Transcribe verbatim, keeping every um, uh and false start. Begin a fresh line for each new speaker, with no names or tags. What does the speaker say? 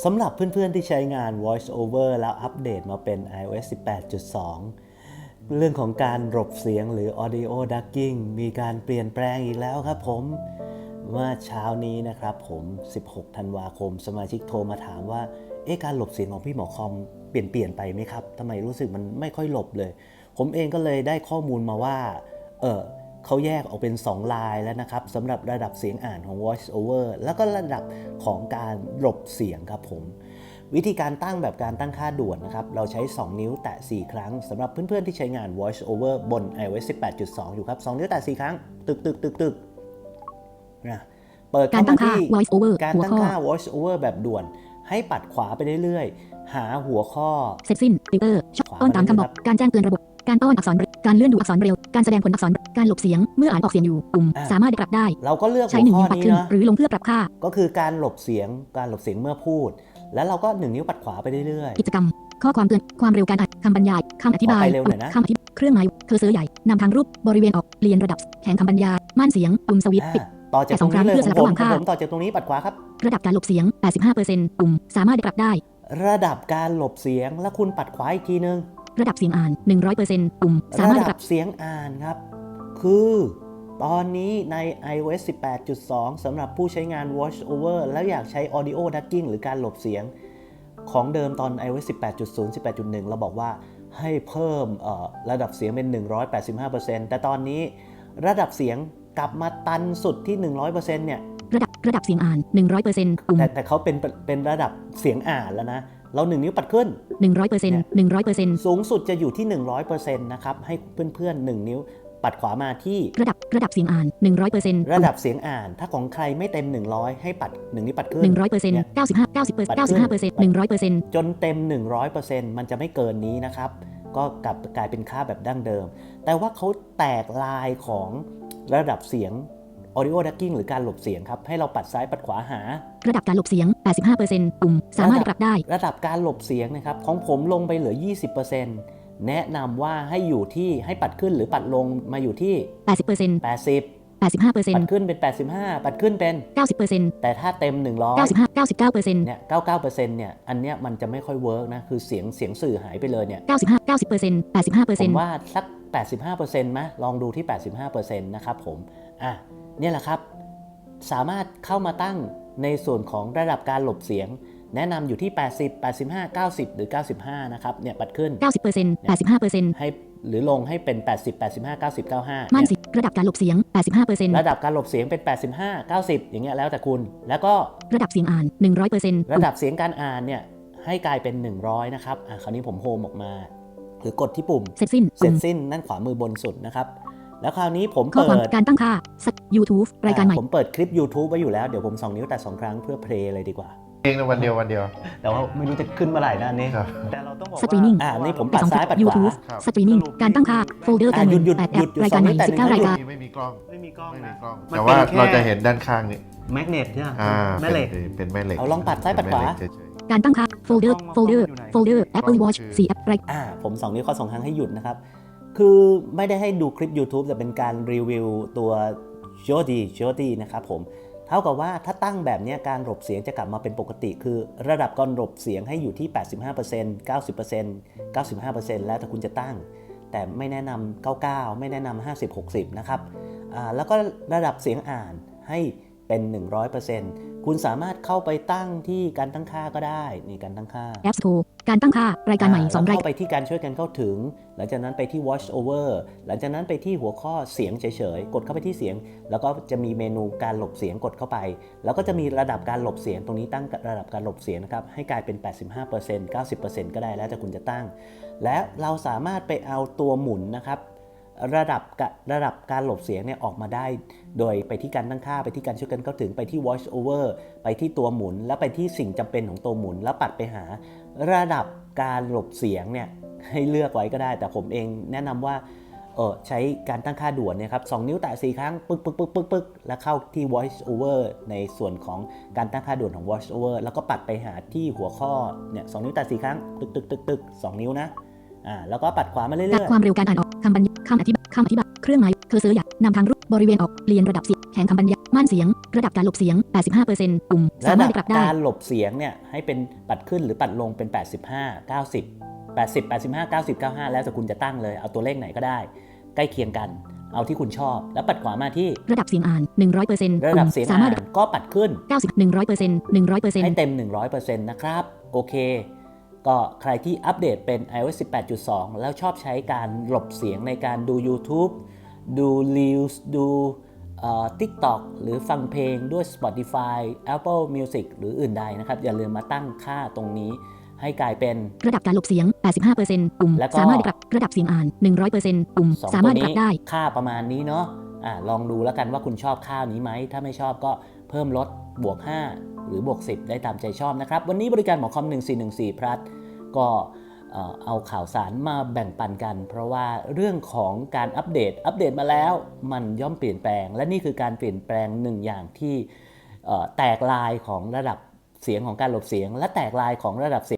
สำหรับเพื่อนๆที่ใช้งาน Voice Over แล้วอัปเดตมาเป็น iOS สิบแปดจุดสอง เรื่องของการหลบเสียงหรือ Audio Ducking มีการเปลี่ยนแปลงอีกแล้วครับผมเมื่อเช้านี้นะครับผมสิบหกธันวาคมสมาชิกโทรมาถามว่าเอ๊ะการหลบเสียงของพี่หมอคอมเปลี่ยนเปลี่ยนไปไหมครับทำไมรู้สึกมันไม่ค่อยหลบเลยผมเองก็เลยได้ข้อมูลมาว่าเออเขาแยกออกเป็นสองลายแล้วนะครับสำหรับระดับเสียงอ่านของ Voice Over แล้วก็ระดับของการหลบเสียงครับผมวิธีการตั้งแบบการตั้งค่าด่วนนะครับเราใช้สองนิ้วแตะสี่ครั้งสำหรับเพื่อนๆที่ใช้งาน Voice Over บน iOS สิบแปดจุดสอง อยู่ครับสองนิ้วแตะสี่ครั้งตึกตึกตึกตึกนะเปิดเข้ามาที่
Voice Over
การตั้งค่า Voice Over แบบด่วนให้ปัดขวาไปเรื่อยๆหาหัวข้อ
เสร็จสิ้นฟิลเตอร์ต้อนตามคำบอกการแจ้งเตือนระบบการต้อนอักษรการเลื่อนดูอักษรเร็วการแสดงผลอักษรการหลบเสียงเมื่ออ่านออกเสียงอยู่ปุ่มสามารถปรับได้
เราก็เลือก
ใช้หนึ่งนิ้วปัดขึ้นหรือลงเพื่อปรับค่า
ก็คือการหลบเสียงการหลบเสียงเมื่อพูดแล้วเราก็หนึ่งนิ้วปัดขวาไปเรื่อย
ๆกิจกรรมข้อความเตือนความเร็วการอ่านคำบรรยายคำอธิบายคำอธิบายเครื่องหมายเคอร์เซอร์ใหญ่นำทางรูปบริเวณออกเรียนระดับแข่งคำบรรยายม่านเสียงปุ่มสวิตช์ปิด
ต่อจากตรงนี้เลยผมผมต่อจากตรงนี้ปัดขวาครับ
ระดับการหลบเสียง แปดสิบห้าเปอร์เซ็นต์ ปุ่มสามารถปรับได้
ระดับการหลบเสียงแล้วคุณปัดขวาอีกทีนึง
ระดับเสียงอ่าน หนึ่งร้อยเปอร์เซ็นต์ ปุ่มสามารถ
ปรับเสียงอ่านครับคือตอนนี้ใน iOS สิบแปดจุดสอง สำหรับผู้ใช้งาน Voice Over แล้วอยากใช้ Audio Ducking หรือการหลบเสียงของเดิมตอน iOS สิบแปดจุดศูนย์ สิบแปดจุดหนึ่ง เราบอกว่าให้เพิ่มระดับเสียงเป็น หนึ่งร้อยแปดสิบห้าเปอร์เซ็นต์ แต่ตอนนี้ระดับเสียงกลับมาตันสุดที่ หนึ่งร้อยเปอร์เซ็นต์ เนี่ย
ระดับระดับเสียงอ่าน หนึ่งร้อยเปอร์เซ็นต์ ปุ่ม
แต่แต่เขาเป็นเป็นระดับเสียงอ่านแล้วนะเราหนึ่งนิ้วปัดขึ้น
หนึ่งร้อยเปอร์เซ็นต์ หนึ่งร้อยเปอร์เซ็นต์
สูงสุดจะอยู่ที่ หนึ่งร้อยเปอร์เซ็นต์ นะครับให้เพื่อนๆหนึ่งนิ้วปัดขวามาที่
ระดับระดับเสียงอ่าน หนึ่งร้อยเปอร์เซ็นต์
ระดับเสียงอ่านถ้าของใครไม่เต็มหนึ่งร้อยให้ปัดหนึ่งนิ้วปัดขึ้น
หนึ่งร้อยเปอร์เซ็นต์ เก้าสิบห้า เก้าสิบเปอร์เซ็นต์ เก้าสิบห้าเปอร์เซ็นต์ หนึ่งร้อยเปอร์เซ็นต์
จนเต็ม หนึ่งร้อยเปอร์เซ็นต์ มันจะไม่เกินนี้นะครับก็กลับกลายเป็นค่าแบบดั้งเดิมแต่ว่าเขาแตกลายของระดับเสียง Audio Ducking หรือการหลบเสียงครับให้เราปัดซ้ายปัดขวาหา
ระดับการหลบเสียง แปดสิบห้าเปอร์เซ็นต์ ปุ่มสามารถปรับได้
ระดับการหลบเสียงนะครับของผมลงไปเหลือ ยี่สิบเปอร์เซ็นต์ แนะนำว่าให้อยู่ที่ให้ปัดขึ้นหรือปัดลงมาอยู่ที่
แปดสิบเปอร์เซ็นต์
แปดสิบ
แปดสิบห้าเปอร์เซ็นต์
ปัดขึ้นเป็นแปดสิบห้าปัดขึ้นเป็น
เก้าสิบเปอร์เซ็นต์
แต่ถ้าเต็มหนึ่งร้อย
เก้าสิบห้า เก้าสิบเก้าเปอร์เซ็นต์
เนี่ย เก้าสิบเก้าเปอร์เซ็นต์ เนี่ยอันเนี้ยมันจะไม่ค่อยเวิร์กนะคือเสียงเสียงสื่อหายไปเลยเนี่ย
เก้าสิบห้า เก้าสิบเปอร์เซ็นต์ แปดสิบห้าเปอร์เซ็นต์
ผมว่าสัก แปดสิบห้าเปอร์เซ็นต์ มั้ยลองดูที่ แปดสิบห้าเปอร์เซ็นต์ นะครับผมอ่ะเนี่ยแหละครับสามารถเข้ามาตั้งในส่วนของระดับการหลบเสียงแนะนำอยู่ที่แปดสิบ แปดสิบห้า เก้าสิบหรือเก้าสิบห้านะครับเนี่ยปัดขึ้น
เก้าสิบเปอร์เซ็นต์ แปดสิบห้าเปอร์เซ็นต์
ให้หรือลงให้เป็นแปดสิบ แปดสิบห้า เก้าสิบ เก้าสิบห้า
ม่านเสียงระดับการหลบเสียง แปดสิบห้าเปอร์เซ็นต์
ระดับการหลบเสียงเป็นแปดสิบห้า เก้าสิบอย่างเงี้ยแล้วแต่คุณแล้วก็
ระดับเสียงอ่าน หนึ่งร้อยเปอร์เซ็นต์
ระดับเสียงการอ่านเนี่ยให้กลายเป็นหนึ่งร้อยนะครับอ่ะคราวนี้ผมโฮมออกมาหรือกดที่ปุ่ม
เสร็จสิ้น
เสร็จสิ้นนั่นขวามือบนสุดนะครับแล้วคราวนี้ผมเปิด
การตั้งค่า YouTube รายการใหม่
ผมเปิดคลิป YouTube ไว้อยู่แล้วเดี๋ยวผมสองนิ้วแต่สองครั้งเพื่อเพลย์เลยดีกว่า
เองในวันเดียววันเดียว
แต่ว่าไม่รู้จะขึ้นเมื่อไหร่นะนี่
แต่เราต้องบอกว่า
สตรีมมิ่ง
อ่านี่ผมปัดซ้ายปัดขวา
สตรีมมิ่งการตั้งค่าโฟลเดอร์การ
หยุดหยุด
แปดแอ
หยุด
ปรายการใหม่สิบเก้ารายการ
ไม่มีกล้อง
ไม่มีกล้อง
ไม่มี
นะ
กล้องแต่ว่าเราจะเห็นด้านข้างนี่
แมกเนตใช่ไหม
แม่เหล็กเป็นแม่เหล็ก
เอาลองปัดซ้ายปัดขวา
การตั้งค่าโฟลเดอร์โฟลเดอร์โฟลเดอร์ Apple Watch สี่แอปราย
อ่าผมสองนิ้วข้อสองครั้งให้หยุดนะครับคือไม่ได้ให้ดูคลิป YouTube แต่เป็นการรีวิวตัว Jody Jody นะครับผมเท่ากับว่าถ้าตั้งแบบนี้การหลบเสียงจะกลับมาเป็นปกติคือระดับการหลบเสียงให้อยู่ที่ แปดสิบห้าเปอร์เซ็นต์ เก้าสิบเปอร์เซ็นต์ เก้าสิบห้าเปอร์เซ็นต์ แล้วแต่คุณจะตั้งแต่ไม่แนะนำเก้าสิบเก้าไม่แนะนำห้าสิบ หกสิบนะครับอ่าแล้วก็ระดับเสียงอ่านให้เป็น หนึ่งร้อยเปอร์เซ็นต์ คุณสามารถเข้าไปตั้งที่การตั้งค่าก็ได้นี่การตั้งค่า
App Store การตั้งค่ารายการใหม่สองราย
เข้าไปที่การช่วยกันเข้าถึงหลังจากนั้นไปที่ Voice Over หลังจากนั้นไปที่หัวข้อเสียงเฉยๆกดเข้าไปที่เสียงแล้วก็จะมีเมนูการหลบเสียงกดเข้าไปแล้วก็จะมีระดับการหลบเสียงตรงนี้ตั้งระดับการหลบเสียงนะครับให้กลายเป็น แปดสิบห้าเปอร์เซ็นต์ เก้าสิบเปอร์เซ็นต์ ก็ได้แล้วแต่คุณจะตั้งและเราสามารถไปเอาตัวหมุนนะครับระดับระดับการหลบเสียงเนี่ยออกมาได้โดยไปที่การตั้งค่าไปที่การช่วยกันเข้าถึงไปที่ Voice Over ไปที่ตัวหมุนแล้วไปที่สิ่งจำเป็นของตัวหมุนแล้วปัดไปหาระดับการหลบเสียงเนี่ยให้เลือกไว้ก็ได้แต่ผมเองแนะนำว่าเออใช้การตั้งค่าด่วนเนี่ยครับสองนิ้วแตะสี่ครั้งปึ๊กปึ๊กปึ๊กปึ๊กปึ๊กแล้วเข้าที่ Voice Over ในส่วนของการตั้งค่าด่วนของ Voice Over แล้วก็ปัดไปหาที่หัวข้อเนี่ยสองนิ้วแตะสี่ครั้งตึกตึกตึกตึกสองนิ้วนะอ่าแล้วก็ปัดขวามาเรื่อย
ๆความเร็วการอ่านออกคำบรรยายคำอธิบายคำอธิบายเครื่องหมายเคอร์เซอร์ใหญ่นำทางรูปบริเวณออกเปลี่ยนระดับเสียงแข่งคำบรรยายม่านเสียงระดับการหลบเสียง แปดสิบห้าเปอร์เซ็นต์ ปุ่มสา
ระ
มา
ดั
รถ
บ
ปรับได้
การหลบเสียงเนี่ยให้เป็นปัดขึ้นหรือปัดลงเป็น แปดสิบห้า เก้าสิบ แปดสิบ แปดสิบห้า เก้าสิบ เก้าสิบห้า แล้วแต่คุณจะตั้งเลยเอาตัวเลขไหนก็ได้ใกล้เคียงกันเอาที่คุณชอบแล้วปัดขวามาที่
ระดับเสียงอ่าน หนึ่งร้อยเปอร์เซ็นต์
ระดับเสียง
สา
อ่าม
ารถ
นก็ปัดขึ้น
เก้าสิบ หนึ่งร้อยเปอร์เซ็นต์ หนึ่งร้อยเปอร์เซ็นต์
ให้เต็ม หนึ่งร้อยเปอร์เซ็นต์ นะครับโอเคก็ใครที่อัปเดตเป็น ไอ โอ เอส สิบแปดจุดสอง แล้วชอบใช้การหลบเสียงในการดู YouTube ดู Reels ดูเอ่อ TikTok หรือฟังเพลงด้วย Spotify Apple Music หรืออื่นใดนะครับอย่าลืมมาตั้งค่าตรงนี้ให้กลายเป็น
ระดับการหลบเสียง แปดสิบห้าเปอร์เซ็นต์ ปุ่ม
แล้วก็
สามารถปรับระดับเสียงอ่าน หนึ่งร้อยเปอร์เซ็นต์ ปุ่ม
สอง
สา
ตั
มาร
ว
ถปรั
นี้
บได้
ค่าประมาณนี้เนาะอ่าลองดูแล้วกันว่าคุณชอบค่านี้ไหมถ้าไม่ชอบก็เพิ่มลดบวกห้าหรือบวกสิบได้ตามใจชอบนะครับวันนี้บริการหมอคอมหนึ่งสี่หนึ่งสี่ plus ก็เอ่อเอาข่าวสารมาแบ่งปันกัน เพราะว่าเรื่องของการอัปเดตอัปเดตมาแล้วมันย่อมเปลี่ยนแปลงและนี่คือการเปลี่ยนแปลงหนึ่งอย่างที่เอ่อแตกลายของระดับเสียงของการหลบเสียง และแตกลายของระดับเสียง